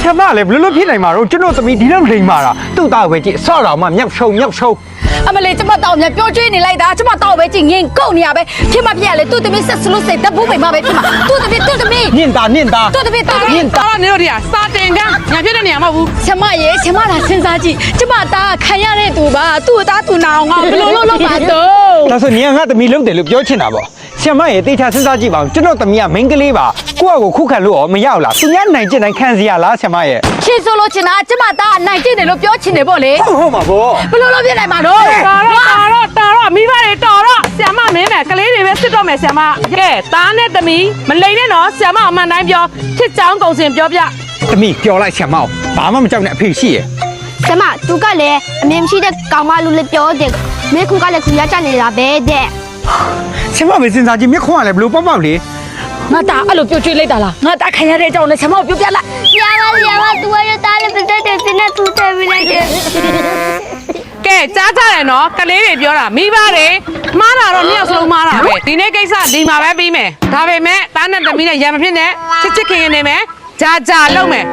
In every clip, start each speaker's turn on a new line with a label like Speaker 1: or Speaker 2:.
Speaker 1: ဆရာမလည်းဘလို့ဖြစ်နိုင်မှာတော့ကျွန်တော်သမီးဒီလောက်လိမ်မာတာသူ့သားပဲကြည့်ဆော့တော်မှမြောက်ရှုံ
Speaker 2: အမလေးကျမတောင်းမြပြောကျွေးနေလိုက်တာကျမတောင်းပဲကြည့်ငင်ကုန်နေရပဲဖြစ်မဖြစ်ရလေသူ့သမီးဆက်စလို့စိတ်တပူးပိန်မပဲဖြစ်မှာသူ့သမီး
Speaker 1: နင့်သား
Speaker 2: သူ့သမီး
Speaker 3: နင့်သားနေတို့ဒီကစာတင်ကညာဖြစ်တဲ့နေရာမဟုတ်ဘူး
Speaker 2: ကျမရေကျမလာစဉ်းစားကြည့်ကျမသားခံရတဲ့သူပါသူ့သားသူနာအောင်ငါဘယ်လိုလုပ်ပါတော့
Speaker 1: ဒါဆိုနင်ကငါသမီးလုံးတယ်လို့ပြောချင်တာပေါ့ဆရာမရေတေချာစဉ်းစားကြည့်ပါဦးကျွန်တော်သမီးကမိန်းကလေးပါကိုယ့်အကိုခုခံလို့ရောမရဘူးလားသူများနိုင်ကျင်နိုင်ခံစီရလားဆရာမရေ
Speaker 2: ရှင်းဆိုလို့ချင်တာကျမသားနိုင်ကျင်တယ်လို့ပြောချင်တယ်ပေါ့လေ
Speaker 1: ဟုတ်မှာပေါ့
Speaker 2: ဘယ်လိုလုပ်ပြနိုင်မှာတော့
Speaker 3: တော်မိဘတွေတော်တော့ဆရာမမင်းမယ်ကလေးတွေပဲစစ်တော့မယ်ဆရာမကဲသားနဲ့သမီးမလိမ်နဲ့နော်ဆရာမအမှန်တိုင်းပြောချစ်ချောင်းကုန်စင်ပြောပြ
Speaker 1: သမီးပြောလိုက်ဆရာမဘာမှမကြောက်နဲ့အဖေရှိရ
Speaker 4: ဆရာမသူကလည်းအမေမရှိတဲ့ကောင်မလူလေးပြောတယ်မေခုကလည်းခုရကြနေတာပဲတဲ့
Speaker 1: ဆရာမပဲစဉ်းစားကြည့်မျက်ခွန်းကလည်းဘလို့ပေါက်လေ
Speaker 2: ငါသားအဲ့လိုပြောကျွေးလိုက်တာလားငါသားခံရတဲ့အကြောင်းနဲ့ဆရာမပြောပြလိုက်
Speaker 4: ဆရာမသူကရတာလည်းပြတဲ့တဲ့နဲ့သူတယ်ပြလိုက်တယ်
Speaker 3: ကဲကြားကြတယ်နော်ကလေးတွေပြောတာမိဘတွေမှားတာတော့နှစ်ယောက်စလုံးမှားတာပဲဒီနေ့ကိစ္စဒီမှာပဲပြီးမယ်ဒါပေမဲ့သားနဲ့သမီးနဲ့ရံမဖြစ်နဲ့ချစ်ခင်နေမယ်ကြာလုံးမယ်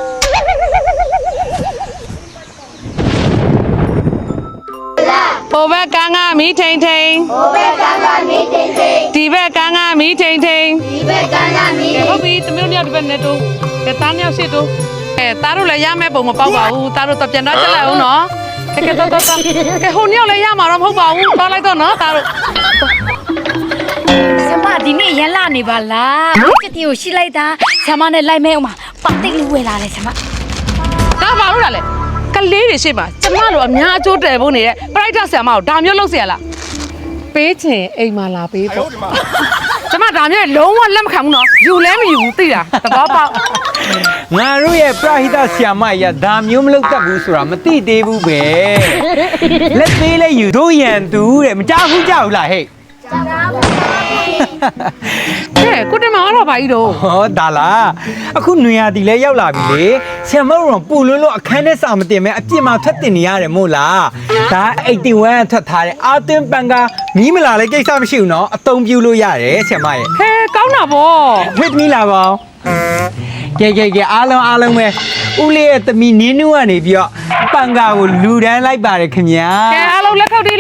Speaker 3: ဟိုဘက်ကန်းကမီးထိန်ဒီဘက်ကန်းကမီးထိန်ဟုတ်ပြီသမီးတို့ဒီဘက်နဲ့တူသားနှစ်ယောက်ရှစ်တူသားတို့လည်းရမယ့်ပုံမပေါက်ပါဘူးသားတို့တော့ပြန်တော့တက်လိုက်အောင်နော်ကဲတော့ကဲဟိုနှစ်ယောက်လည်းရမှာတော့မဟုတ်ပါဘူးသွားလိုက်တော့နော်သားတို့
Speaker 2: ဆမဒီနေ့ရန်လာနေပါလားချစ်တီကိုရှိလိုက်တာဆမနဲ့လိုက်မဲအောင်ပါပါတိတ်လေးဝယ်လာတယ်ဆမ
Speaker 3: ဒါပါလို့လားကလေးတွေရှိပါကျမတို့အများအကျိုးတယ်ဖို့နေတဲ့ပရိုက်တာဆရာမကိုဒါမျိုးလုပ်เสียလားပေးချင်အိမ်မှာလာပေးပေါ့ကျမဒါမျိုးလုံးဝလက်မခံဘူးနော်ယူလဲမယူဘူးသိလားသဘောပေါက်
Speaker 1: ငါတို့ရဲ့ပရဟိတဆရာမရဒါမျိုးမလုပ်တတ်ဘူးဆိုတာမသိသေးဘူးပဲလက်သေးလဲယူတို့ရန်သူတဲ့မကြောက်ဘူးလားဟဲ့
Speaker 3: ကဲကိုတင်မအားတော့ပါကြီးတော့
Speaker 1: ဟောဒါလားအခုနွေရာတီလဲရောက်လာပြီလေဆရာမတို့ပူလွန်းလို့အခန်းထဲစာမတင်မဲအပြစ်မှာထွက်တင်နေရတယ်မို့လားဒါ81ထွက်ထားတဲ့အာသွင်းပန်ကမီးမလာလဲကိစ္စမရှိဘူးနော်အသုံးပြုလို့ရတယ်ဆရာမရဲ့
Speaker 3: ဟဲကောင်းတာဗော
Speaker 1: ဝစ်မီလာပါကဲအားလုံးပဲဦးလေးရဲ့သမီးနင်းနူးကနေပြီးတော့ပန်ကာကိုလူတန်းလိုက်ပါတယ်ခင်ဗျာ
Speaker 3: ကဲအားလုံးလက်ခောက်တီ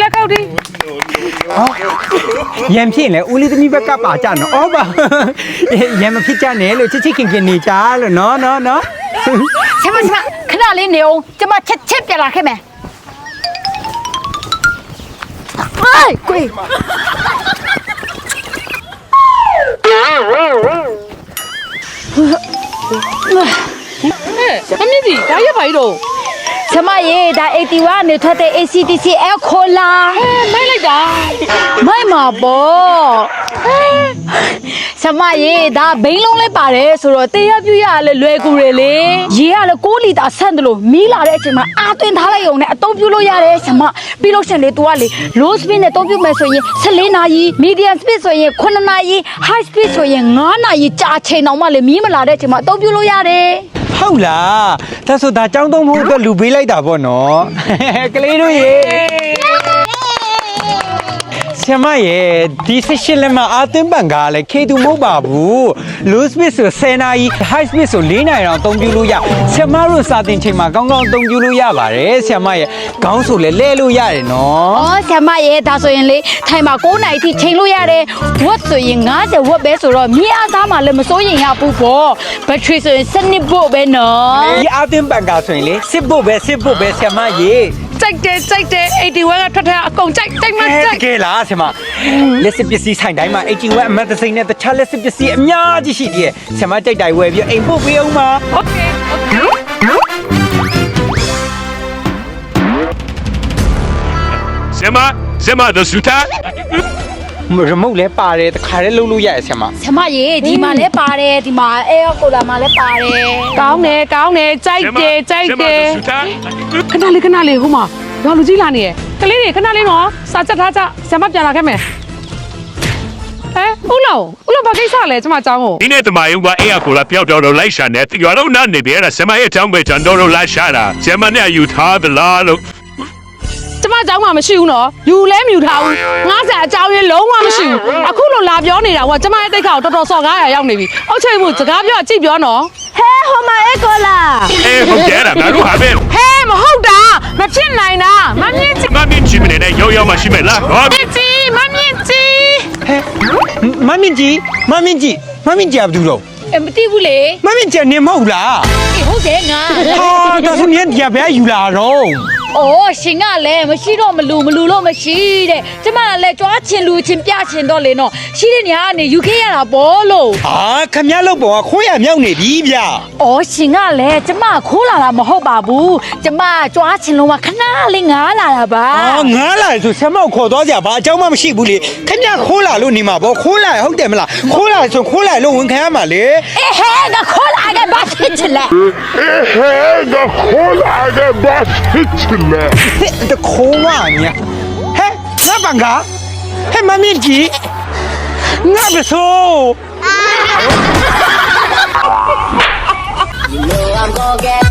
Speaker 1: ရံဖြစ်လေဦးလေးသမီးဘက်ကပါကြနော်ဩပါရံမဖြစ်ကြနဲ့လို့ချစ်ခင်နေကြလို့နော်
Speaker 2: ဆမခဏလေးနေအောင်ကျမချက်ပြလာခဲ့မယ်ဟိုင်ကို
Speaker 3: မမီဒီဒါရပါရီတော့
Speaker 2: ဆမရေဒါ81နေထွက်တဲ့ ACTC အခေါ်လာ
Speaker 3: မိုက်လိုက်တာ
Speaker 2: မိုက်မှာပေါ့ဆမရေဒါဘိန်းလုံးလေးပါတယ်ဆိုတော့တရားပြရလဲလွယ်ကူတယ်လေရေကလည်း6လီတာဆန့်တယ်လို့မီးလာတဲ့အချိန်မှာအာသွင်းထားလိုက်ရုံနဲ့အသုံးပြုလို့ရတယ်ဆမပြီးလို့ရှင်လေ तू ကလေ low speed နဲ့အသုံးပြုမယ်ဆိုရင်14နာရီ medium speed ဆိုရင်9နာရီ high speed ဆိုရင်9နာရီကြာချိန်တောင်မှလေမီးမလာတဲ့အချိန်မှာအသုံးပြုလို့ရတယ်
Speaker 1: ဟုတ်လားဒါဆိုဒါចောင်းသုံးဖို့အတွက်လူပေးလိုက်တာပေါ့နော်ကလေးတို့ရေဆရာမရဲ့ဒီ18လက်မှာအာသွင်းပန်ကားလဲခေတူမဟုတ်ပါဘူး low speed ဆို10နာရီ high speed ဆို4နာရီတောင်အသုံးပြုလို့ရဆရာမတို့စာသင်ချိန်မှာကောင်းကောင်းအသုံးပြုလို့ရပါတယ်ဆရာမရဲ့ခေါင်းဆိုလဲလဲလို့ရတယ်နော်
Speaker 2: ဆရာမရဲ့ဒါဆိုရင်လေထိုင်မှာ9နာရီထိချိန်လို့ရတယ်ဝတ်ဆိုရင်50ဝတ်ပဲဆိုတော့မြေအားသားမှာလည်းမစိုးရင်ရဘူးပေါ့ဘက်ထရီဆိုရင်7voltပဲနော်
Speaker 1: ဒီအာသွင်းပန်ကားဆိုရင်လေ10voltပဲဆရာမရဲ့
Speaker 3: ကြိုက်တယ်81ကထွက်ထားအကုန်ကြိုက်မှကြိုက်
Speaker 1: ကဲလားဆရာမလက်စစ်ပစ္စည်းဆိုင်တိုင်းမှာ81အမတ်တစိမ့်နဲ့တခြားလက်စစ်ပစ္စည်းအများကြီးရှိသေးတယ်ဆရာမကြိုက်တိုင်းဝယ်ပြီးအိမ်ပို့ပေးအောင်ပါ
Speaker 3: โอเค
Speaker 5: ဆရာမthe suitor
Speaker 1: ရမုတ်လဲပါတယ်တခါတည်းလှုပ်လို့ရတယ်ဆရာမ
Speaker 2: ဆရာမရေဒီမှာလဲပါတယ်ဒီမှာအဲကိုလာမှာလဲပါတယ်
Speaker 3: ကောင်းတယ်ကြိုက်တယ်ခဏလေးဟိုမှာတော့လူကြီးလာနေရယ်ကလေးတွေခဏလေးနော်စာချက်ထားကြဆရာမပြန်လာခဲ့မယ်ဦးလောဘာကိစ္စလဲကျမအကြောင်းကို
Speaker 5: ဒီနေ့တမယုံကအေးအကိုလာပျောက်တော့လိုက်ရှာနေရွာတော့နားနေပြီအဲ့ဒါဆရာမရဲ့အကြောင်းပဲကျွန်တော်တို့လိုက်ရှာတာဆရာမနဲ့ယူထားသလားလို့
Speaker 3: ကျမအကြောင်းမှမရှိဘူးနော်ယူလဲမယူထားဘူး50အကြောင်းရင်းလုံးဝမရှိဘူးအခုလိုလာပြောနေတာကကျမရဲ့တိတ်ခါကိုတော်တော်စော်ကားရရောက်နေပြီအောက်ချိတ်မှုစကားပြောကြည့်ပြောနော်
Speaker 4: ဟဲဟိုမှာအေကိုလာ
Speaker 5: အဲ့ဒါငါတို့ဟာပဲ
Speaker 3: ဟဲမဟုတ်တာမဖြစ်နိုင်တာမမြင့်ကြီး
Speaker 5: မမြင့်ချင်မနဲ့ရောရောမရှိမဲ့လားဟော
Speaker 3: မမြင့်ကြီး
Speaker 1: ဟဲ့မမင်းကြီးဘာဘူးတော့
Speaker 2: မသိဘူးလေ
Speaker 1: မမင်းကြီးနေမဟုတ်လား
Speaker 2: ဟုတ်တယ်ငါ
Speaker 1: ဟာဒါဆိုရင်ကြဘဲယူလာတော့
Speaker 2: အော်ရှင်ကလည်းမရှိတော့မလူလို့မရှိတဲ့ကျမကလည်းကြွားချင်လူချင်းပြချင်တော့လေနော်ရှိတဲ့နေရာကနေယူခဲ့ရတာပေါ့လို့
Speaker 1: ဟာခမရလောက်ပေါ်ကခိုးရမြောက်နေပြီဗျ
Speaker 2: အော်ရှင်ကလည်းကျမခိုးလာတာမဟုတ်ပါဘူးကျမကြွားချင်လို့ကခဏလေးငားလာတာပါ
Speaker 1: အာငားလာဆိုဆက်မောက်ခေါ်သွားကြဘာအကြောင်းမှမရှိဘူးလေခမရခိုးလာလို့နေမှာပေါ့ခိုးလာဟုတ်တယ်မလားခိုးလာဆိုခိုးလာလို့ဝန်ခံရမှာလေ
Speaker 2: အေးဟဲငါခိုးလာခဲ့ဘာဖြစ်ချင်လဲ
Speaker 6: 的后来的把事情了。
Speaker 1: တခိုးဝညာဟဲ့ငါပန်ကဟဲ့မမင်းကြီးငါပစိုး
Speaker 7: You know I'm gonna get